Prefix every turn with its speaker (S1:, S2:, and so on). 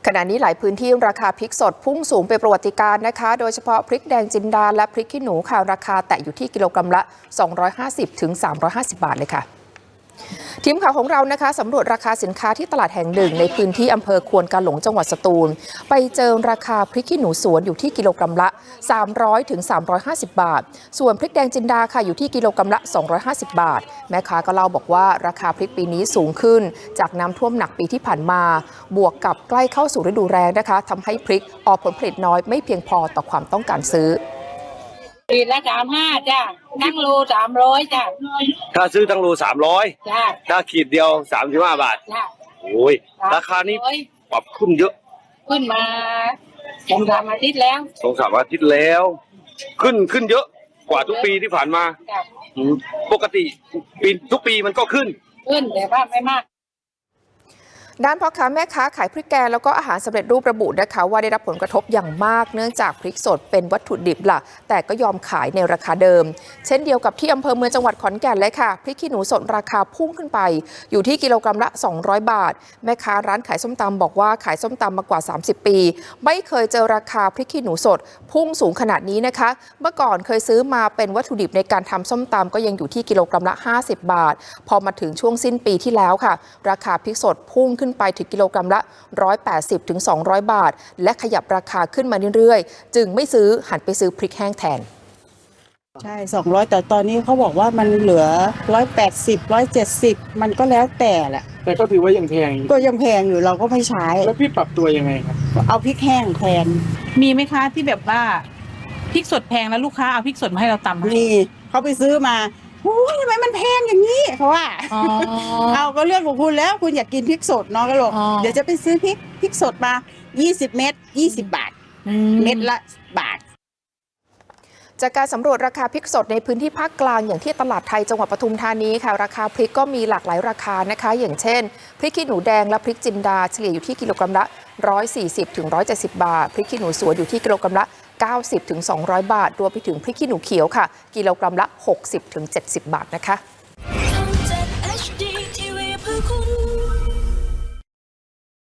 S1: ขณะนี้หลายพื้นที่ราคาพริกสดพุ่งสูงเป็นประวัติการณ์นะคะโดยเฉพาะพริกแดงจินดาและพริกขี้หนูค่ะราคาแตะอยู่ที่กิโลกรัมละ250 ถึง 350 บาทเลยค่ะทีมข่าวของเรานะคะสำรวจราคาสินค้าที่ตลาดแห่งหนึ่งในพื้นที่อำเภอควนกาหลงจังหวัดสตูลไปเจอราคาพริกขี้หนูสวนอยู่ที่กิโลกรัมละ300 ถึง 350 บาทส่วนพริกแดงจินดาค่ะอยู่ที่กิโลกรัมละ250 บาทแม่ค้าก็เล่าบอกว่าราคาพริกปีนี้สูงขึ้นจากน้ำท่วมหนักปีที่ผ่านมาบวกกับใกล้เข้าสู่ฤดูแล้งนะคะทำให้พริกออกผลผลิตน้อยไม่เพียงพอต่อความต้องการซื้อ
S2: ขีดละ35จ้ะทั้งโล300จ้ะ
S3: ถ้าซื้อทั้งโล300
S2: จ้ะ
S3: ถ้าขีดเดียว35 บาท
S2: จ้ะ
S3: โอ้ยราคานี้ปรับขึ้นเยอะ
S2: ขึ้นมา2-3 อาทิตย์แล้ว
S3: 2-3 อาทิตย์แล้วขึ้นเยอะกว่าทุกปีที่ผ่านมาปกติทุกปีมันก็ขึ้น
S2: แต่ว่าไม่มาก
S1: ด้านพ่อค้าแม่ค้าขายพริกแกงแล้วก็อาหารสำเร็จรูประบุนะคะว่าได้รับผลกระทบอย่างมากเนื่องจากพริกสดเป็นวัตถุดิบหลักแต่ก็ยอมขายในราคาเดิมเช่นเดียวกับที่อำเภอเมืองจังหวัดขอนแก่นเลยค่ะพริกขี้หนูสดราคาพุ่งขึ้นไปอยู่ที่กิโลกรัมละ200 บาทแม่ค้าร้านขายส้มตำบอกว่าขายส้มตำมากว่า30 ปีไม่เคยเจอราคาพริกขี้หนูสดพุ่งสูงขนาดนี้นะคะเมื่อก่อนเคยซื้อมาเป็นวัตถุดิบในการทำส้มตำก็ยังอยู่ที่กิโลกรัมละ50 บาทพอมาถึงช่วงสิ้นปีที่แล้วค่ะราคาพริกสดพุ่งขึ้นไปถึงกิโลกรัมละ180 ถึง 200 บาทและขยับราคาขึ้นมาเรื่อยๆจึงไม่ซื้อหันไปซื้อพริกแห้งแทน
S4: ใช่200แต่ตอนนี้เขาบอกว่ามันเหลือ180 170มันก็แล้วแต่แหละ
S5: แต่ก็ถือว่ายังแพง
S4: ก็ยังแพงอยู่เราก็ไม่ใช้
S5: แล้วพี่ปรับตัวยังไงครับ
S4: เอาพริกแห้งแทน
S6: มีไหมคะที่แบบว่าพริกสดแพงแล้วลูกค้าเอาพริกสดมาให้เราตำ
S4: มีเขาไปซื้อมาโอ้ยทำไมมันแพงอย่างนี้เขาว่าเอาก็เรื่องของคุณแล้วคุณอยากกินพริกสดเนาะก็บอกเดี๋ยวจะไปซื้อพริกสดมา20 เม็ด20 บาทเม็ดละบาท
S1: จากการสำรวจราคาพริกสดในพื้นที่ภาคกลางอย่างที่ตลาดไทยจังหวัดปทุมธานีค่ะราคาพริกก็มีหลากหลายราคานะคะอย่างเช่นพริกขี้หนูแดงและพริกจินดาเฉลี่ยอยู่ที่กิโลกรัมละ140 ถึง 170 บาทพริกขี้หนูสวนอยู่ที่กิโลกรัมละ90 ถึง 200 บาทรวมไปถึงพริกขี้หนูเขียวค่ะกิโลกรัมละ60 ถึง 70 บาทนะคะ